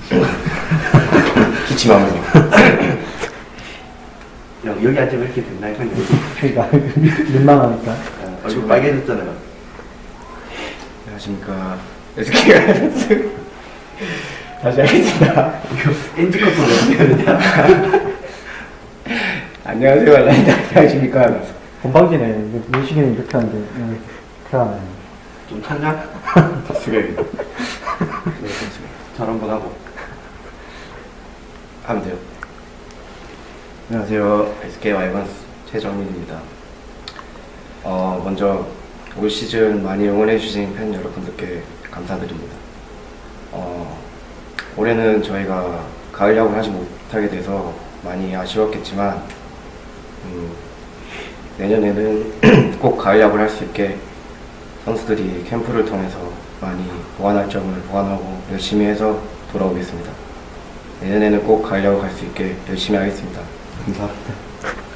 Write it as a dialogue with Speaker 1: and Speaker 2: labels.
Speaker 1: 기침하면서.
Speaker 2: 여기 앉으면 이렇게 된다 이거는.
Speaker 3: 그러니까 민망하니까.
Speaker 2: 얼굴 빨개졌잖아요.
Speaker 1: 안녕하십니까. SK 와이번스. 다시 하겠습니다.
Speaker 2: 이거 NG 컷도 왜 되느냐?
Speaker 1: 안녕하세요. 안녕하십니까.
Speaker 3: 건방지네. 무식이는 이렇게 하는데 그렇게 하네.
Speaker 2: 좀 찾냐?
Speaker 1: 숙여야겠다. 네, 그렇습니다.
Speaker 2: 잘 한번 하고.
Speaker 1: 하면 돼요. 안녕하세요. SK 와이번스 최정민입니다. 먼저 올 시즌 많이 응원해주신 팬 여러분들께 감사드립니다. 올해는 저희가 가을 야구를 하지 못하게 돼서 많이 아쉬웠겠지만 내년에는 꼭 가을 야구를 할 수 있게 선수들이 캠프를 통해서 많이 보완할 점을 보완하고 열심히 해서 돌아오겠습니다. 내년에는 꼭 가을 야구 갈 수 있게 열심히 하겠습니다. 감사합니다.